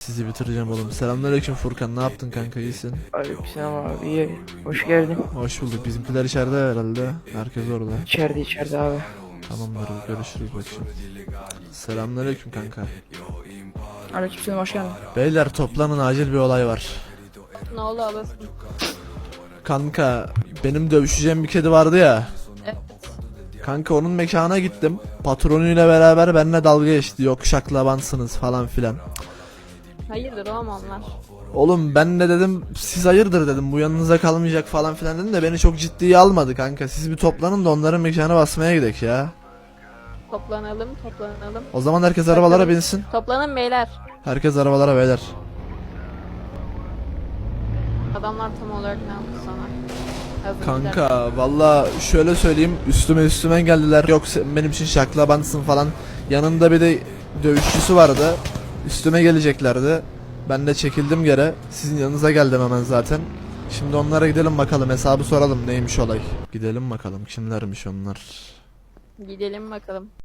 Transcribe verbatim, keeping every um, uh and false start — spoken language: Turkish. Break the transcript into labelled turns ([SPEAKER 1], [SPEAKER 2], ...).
[SPEAKER 1] Sizi bitireceğim oğlum. Selamünaleyküm Furkan, ne yaptın kanka, iyisin?
[SPEAKER 2] Aleykümselam abi, iyi. Hoş geldin.
[SPEAKER 1] Hoş bulduk. Bizimkiler içeride herhalde. Herkes orada.
[SPEAKER 2] İçeride içeride abi.
[SPEAKER 1] Tamamdır, görüşürüz bakayım. Selamünaleyküm kanka.
[SPEAKER 2] Aleykümselam, hoş geldin.
[SPEAKER 1] Beyler toplanın, acil bir olay var.
[SPEAKER 3] Ne oldu alasın?
[SPEAKER 1] Kanka benim dövüşeceğim bir kedi vardı ya.
[SPEAKER 3] Evet.
[SPEAKER 1] Kanka onun mekana gittim. Patronuyla beraber benimle dalga geçti. Yok şaklabansınız falan filan.
[SPEAKER 3] Hayırdır oğlum onlar?
[SPEAKER 1] Oğlum ben de dedim siz hayırdır dedim, bu yanınıza kalmayacak falan filan dedim de beni çok ciddiye almadı kanka. Siz bir toplanın da onların mekana basmaya gidelim ya.
[SPEAKER 3] Toplanalım, toplanalım.
[SPEAKER 1] O zaman herkes arabalara binsin.
[SPEAKER 3] Toplanın beyler.
[SPEAKER 1] Herkes arabalara beyler.
[SPEAKER 3] Adamlar tam olarak ne yaptı sana? Hazır
[SPEAKER 1] Kanka valla şöyle söyleyeyim, üstüme üstüme geldiler. Yok sen benim için şaklabansın falan. Yanında bir de dövüşçüsü vardı. Üstüme geleceklerdi. Ben de çekildim geri. Sizin yanınıza geldim hemen zaten. Şimdi onlara gidelim bakalım, hesabı soralım neymiş olay. Gidelim bakalım kimlermiş onlar.
[SPEAKER 3] Gidelim bakalım.